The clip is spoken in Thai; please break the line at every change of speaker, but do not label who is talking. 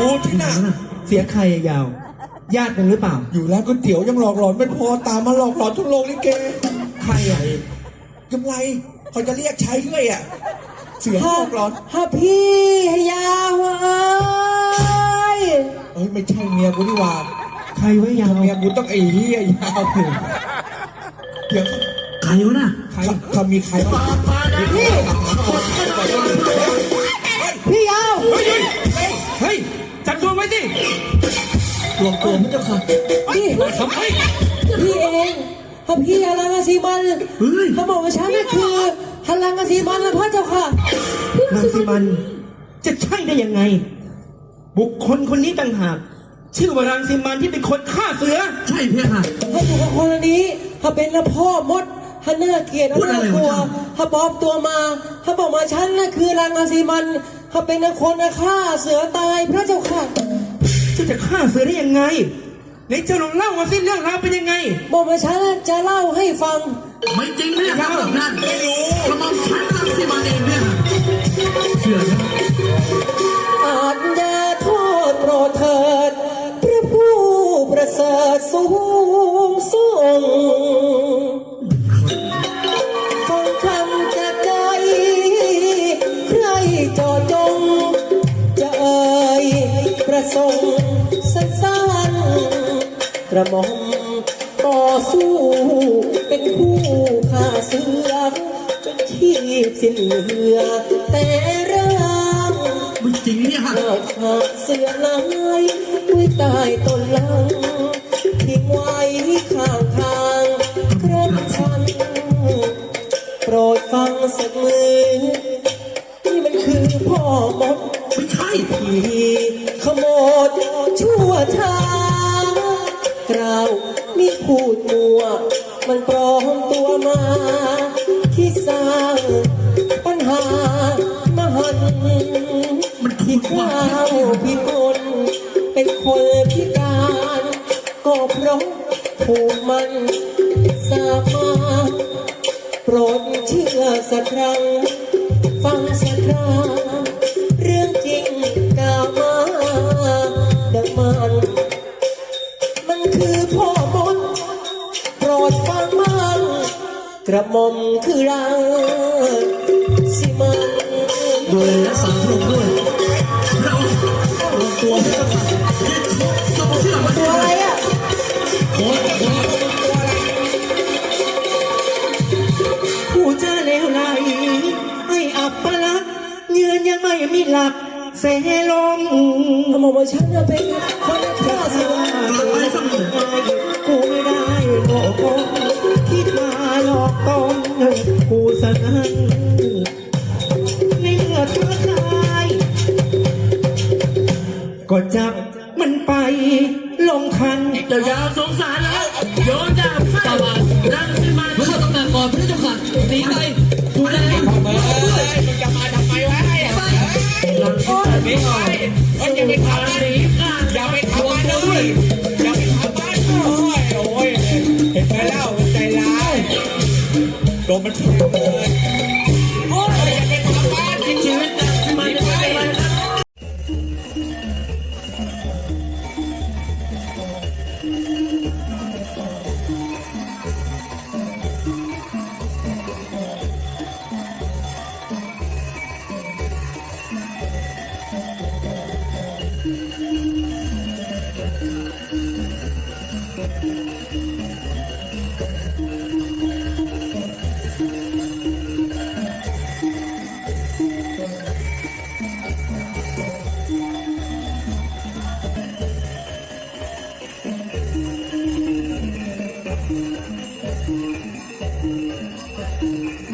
อยู่ที่น่ะ
เสียงใครยาว ญาติกันหรือเปล่า
อยู่ร้านก๋วยเตี๋ยวยังหลอกหลอนไม่พอตามมาหลอกหลอนทุกโรงลิเก
ใครอ่ะ
กำไรเขาจะเรียกใช้เรื่อยอ่ะเสียงหลอกหลอน
ฮะพี่ยาวเอ้ย
ไม่ใช่เมียกูนี่หว่า
ใครไว้ยาว
เมียกูต้องไอ้เหี้ยยาวเดี๋ยว
ใครวะน่ะ
ใครเขามีใครบ้าง
พี่พี่ยาว
เฮ้ย จับตัวไว้สิรวมตัวมันเจ้าค่ะ
พี่
ทำไม
พี่เองฮะพี่ฮารังกสีมัน
เฮ้ย
เขาบอกว่าฉันนี่คือฮารังกสีมันนะพระเจ้าค่ะ
นางสีมัน จะใช่ได้ยังไง บุคคลคนนี้ต่างหากชื่อว่ารังสีมันที่เป็นคนฆ่าเสือ ใช่เพี่ค่ะ
ถ้าอยู่กับคนนี้ถ้าเป็นละพ่อมดถ้าน่าเกลียด
พูดอะไร
น่ากลัว
วะ
ถ้าปลอมตัวมาถ้าบอกมาฉันน่ะคือรังกสีมันถ้าเป็นคนฆ่าเสือตายพระเจ้าค่ะ
จะฆ่าเสือได้ยังไงไหนเจ้าลองเล่ามาสิเรื่องราวเป็นยังไง
บอกมาฉันจะเล่าให้ฟัง
ไม่จริงไม่ได้ครับแบบนั้นไม่รู้กระหม่อมฉันรังสิมันเองเนี่ยเชื่อใช่ไหม
อาจอย่าโทษโปรดเถิดพระผู้ประเสริฐสูงส่งฟังคำจากใจใครจอจงจะเอ่ยประสงค์สั้นๆกระหม่อมต่อสู้เป็นผู้ฆ่าเสือจนชีพสิ้นเหลือแต่ร่าง
ไม่จริงเนี่ยฮะ
เลิกหาเสือลายด้วยใต้ต้นลังทิ้งไว้ข้างทางครบคันโปรดฟังสักมือนี่มันคือพ่อมด
ไม่ใช่
ที่ขโมดชั่วช้ากล่าวมีพูดมัวมันปลอมตัวมาที่สร้างปัญหามหันที่ข้าวพิกลเป็นคนพิการก็เพราะถูกมันสามาโปรดเชื่อสักครั้งฟังสักคราเรื่องจริงกล่าวมาดังมันคือพ่อมดโปรดฟังมันกระหม่อมคือรังสิมัน
ดูแลรักษาพระองค์ด้วยเราลงตัวไม่ต้องต้องเชื่อมัน
ตัวอะไรอ่ะ
โอ้ย
ผู้เจอเลวไหลให้อับปลักษณ์ยืนยังไม่มีหลักเสลง
เขาบอกว่าฉันเป็นคนฆ่าเสือ
ไปสักหน่อย
กูไม่ได้โง่คงคิดมาหลอกตนกูสนั่นในเมื่อเธอคายก็จับมันไปลงทัน
เดี๋ยวยาวสงสารแล้วโยนดาบตาบานรังสิมันรู้ตำแหน่งก่อนพระเจ้าค่ะหนีไปดูแลด้วย
มึงจะมาทำไมวะไอ้
รังสิมันไม่ออก
อย่าไปทำมัน
หนีกัน
อย่าไปทำมันเลยอย่าไปทำมันโอ้ยเห็นไหมเล่าใจร้ายโดนมันถีบเลยโอ้ยอย่าไปทำมัน
ชีวิตรังสิมันจะเป็นอะไรนะ
พ